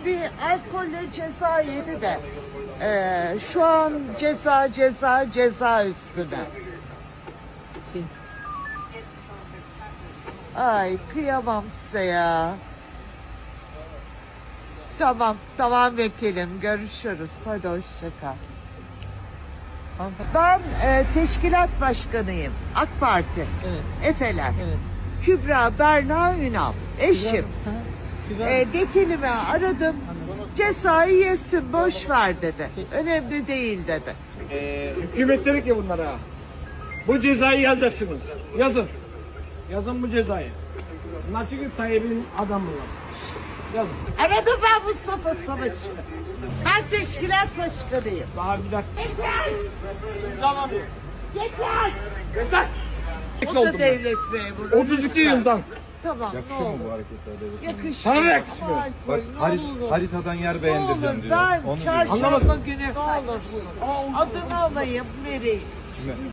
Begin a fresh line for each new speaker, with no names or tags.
bir alkolle ceza yedi de şu an ceza üstüne. Ay kıyamam size ya. Tamam vekilim, görüşürüz. Hadi hoşça kal. Ben teşkilat başkanıyım. AK Parti.
Evet.
Efeler.
Evet.
Kübra Berna Ünal. Eşim.
Kübra.
Vekilimi aradım. Cezayı yesin, boş ver dedi. Önemli değil dedi.
Hükümet dedi ki bunlara, bu cezayı yazacaksınız. Yazın. Yazın bu cezayı. Bunlar çünkü Tayyip'in adamları. Yazın.
Aradım ben Mustafa Savaş'ı. Ben teşkilat başkanıyım.
Daha bir dakika.
Yeter!
İmzalamıyor.
Yeter!
Yasak.
O da devlet memuru.
32
lütfen.
yıldan.
Tamam,
Yakışıyor
ne
mu
olur.
bu hareketler devlet?
Yakışmıyor.
Sana da yakışmıyor.
Ay,
Bak
ne olur.
haritadan yer
Ne olur
beğendireceğim diyor.
ben
Onu diyor.
çarşamba
Anlamadım.
günü ne olur adını alayım vereyim.
Kime?